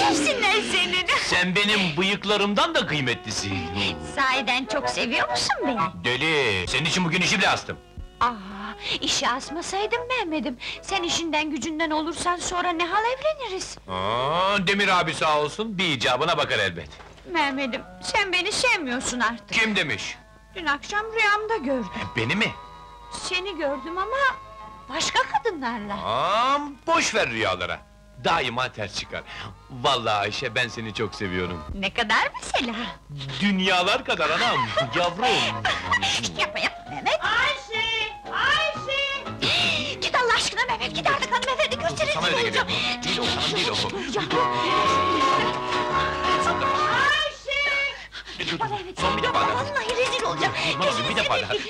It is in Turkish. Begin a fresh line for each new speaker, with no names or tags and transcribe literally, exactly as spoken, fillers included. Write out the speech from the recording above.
sevsinler senin!
Sen benim bıyıklarımdan da kıymetlisin!
Sahiden çok seviyor musun beni?
Deli! Senin için bugün işi bile astım!
Aa, işi asmasaydın Mehmet'im! Sen işinden gücünden olursan sonra ne hal evleniriz?
Aa, Demir abi sağ olsun, bir icabına bakar elbet!
Mehmet'im, sen beni sevmiyorsun artık!
Kim demiş?
Dün akşam rüyamda gördüm.
Beni mi?
Seni gördüm ama... başka kadınlarla!
Aa, boş ver rüyalara! Daima ters çıkar! Vallahi Ayşe, ben seni çok seviyorum!
Ne kadar mesela?
Dünyalar kadar anam, yavrum!
Yapma yapma Mehmet! Ayşe! Ayşe! Git Allah aşkına Mehmet, git artık hanımefendi gösterin!
Sana öyle geliyor bu! Değil o, hanım değil o!
Ayşe!
Son bir defa daha!
Vallahi rezil olacağım!
Durmaz, bir defa daha!